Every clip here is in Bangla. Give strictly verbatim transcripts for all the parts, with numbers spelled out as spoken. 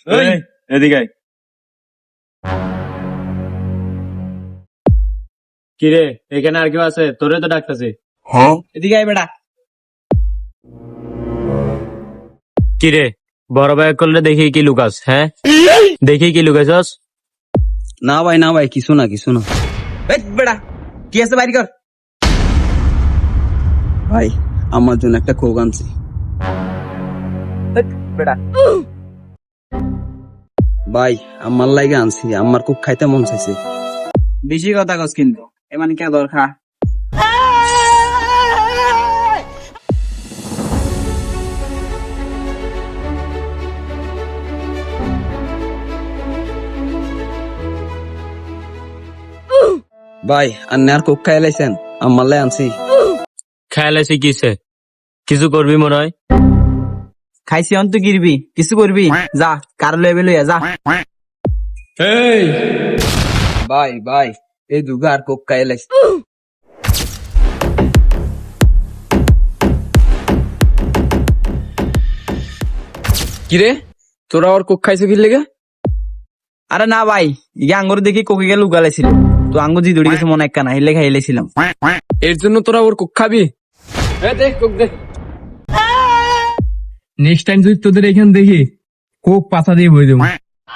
এই, এদিকে আয়। কিরে এখানে আর কেউ আছে? তোরে তো ডাকতেছি। এদিকে আয় বেটা। কিরে বড় ভাই করলে দেখি কি লুকাস? হ্যাঁ দেখি কি লুকাইছস? না ভাই না ভাই কিছু না কিছু না। এই বেটা কি আছে বাইরে কর। ভাই আমার জন্য একটা কোক আনছি। এই বেটা ভাই আমার লাগে আনছি, আমার কোক খাইতে মন চাইছে। বেশি কথা কস কিন্তু এমন কে দরকার। ভাই আর আর কোক খাই লাইছেন, আমার লাই আনছি। খেয়াল আছে কিসে? কিছু করবি মনে হয়? খাইছি অন্ত গিরবি কিছু করবি যা কার লেভেল হইয়া যা। এই ভাই ভাই এই দুগা আর কোক খাই লাইছে। কিরে তোরা ওর কোক খাইছে কি লেগে? আরে না ভাই ইয়ে আঙ্গুর দেখি কোকে গেলে উগালাইছিল, তো আঙ্গুর জি দৌড়ে গেছে মনে একটা না হিলে খাইলেছিলাম। এর জন্য তোরা ওর কোক খাবি? দেখ কোক দেখ, নেক্সট টাইম যদি তোদের এখানে দেখি কোক পাতা দিয়ে বই দেবো।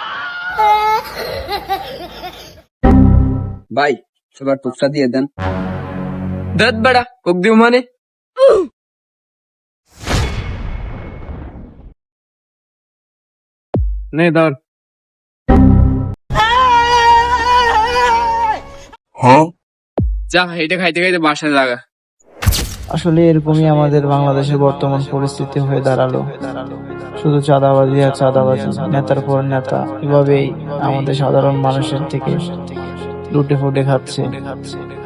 ভাই সবার কোকটা দিয়ে দেন। দেখ বেড়া কোক দিব মানে নে ধর। যা এটা খাইতে খাইতে বাসায় লাগা। আসলে এরকমই আমাদের বাংলাদেশের বর্তমান পরিস্থিতি হয়ে দাঁড়ালো। শুধু চাঁদাবাজি আর চাঁদাবাজি, নেতার পর নেতা এভাবেই আমাদের সাধারণ মানুষের থেকে লুটে ফুটে খাচ্ছে।